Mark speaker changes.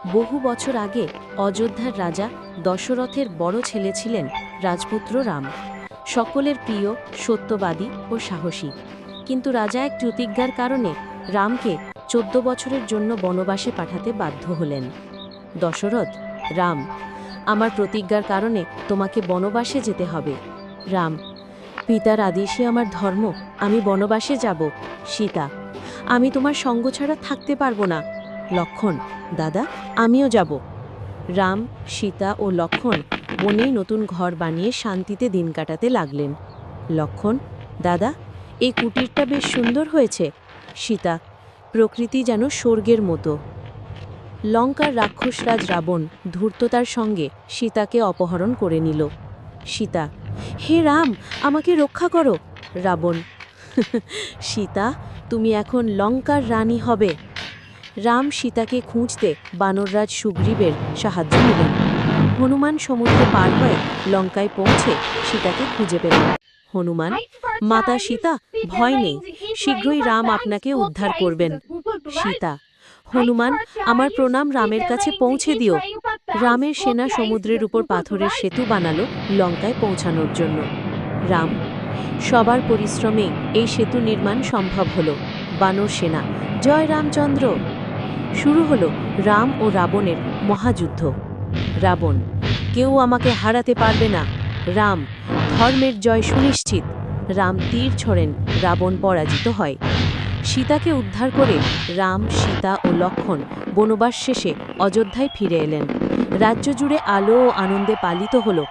Speaker 1: বহু বছর আগে অযোধ্যার রাজা দশরথের বড় ছেলে ছিলেন রাজপুত্র রাম। সকলের প্রিয়, সত্যবাদী ও সাহসী। কিন্তু রাজা এক প্রতিজ্ঞার কারণে রামকে 14 বছরের জন্য বনবাসে পাঠাতে বাধ্য হলেন। দশরথ, রাম, আমার প্রতিজ্ঞার কারণে তোমাকে বনবাসে যেতে হবে। রাম, পিতার আদেশই আমার ধর্ম, আমি বনবাসে যাব। সীতা, আমি তোমার সঙ্গ ছাড়া থাকতে পারবো না। লক্ষ্মণ, দাদা, আমিও যাব। রাম, সীতা ও লক্ষ্মণ বনেই নতুন ঘর বানিয়ে শান্তিতে দিন কাটাতে লাগলেন। লক্ষ্মণ, দাদা, এই কুটিরটা বেশ সুন্দর হয়েছে। সীতা, প্রকৃতি যেন স্বর্গের মতো। লঙ্কার রাক্ষসরাজ রাবণ ধূর্ততার সঙ্গে সীতাকে অপহরণ করে নিল। সীতা, হে রাম, আমাকে রক্ষা করো। রাবণ, সীতা, তুমি এখন লঙ্কার রানী হবে। রাম সীতাকে খুঁজতে বানররাজ সুগ্রীবের সাহায্য নিলেন। হনুমান সমুদ্র পার হয়ে লঙ্কায় পৌঁছে সীতাকে খুঁজে পেলেন। হনুমান, মাতা সীতা, ভয় নেই, শীঘ্রই রাম আপনাকে উদ্ধার করবেন। সীতা, হনুমান, আমার প্রণাম রামের কাছে পৌঁছে দিও। রামের সেনা সমুদ্রের উপর পাথরের সেতু বানালো লঙ্কায় পৌঁছানোর জন্য। রাম, সবার পরিশ্রমে এই সেতু নির্মাণ সম্ভব হলো। বানর সেনা, জয় রামচন্দ্র। শুরু হলো রাম ও রাবণের মহাযুদ্ধ। রাবণ, কেউ আমাকে হারাতে পারবে না। রাম, ধর্মের জয় সুনিশ্চিত। রাম তীর ছোড়েন, রাবণ পরাজিত হয়। সীতাকে উদ্ধার করে রাম, সীতা ও লক্ষ্মণ বনবাস শেষে অযোধ্যায় ফিরে এলেন। রাজ্য জুড়ে আলো ও আনন্দে পালিত হল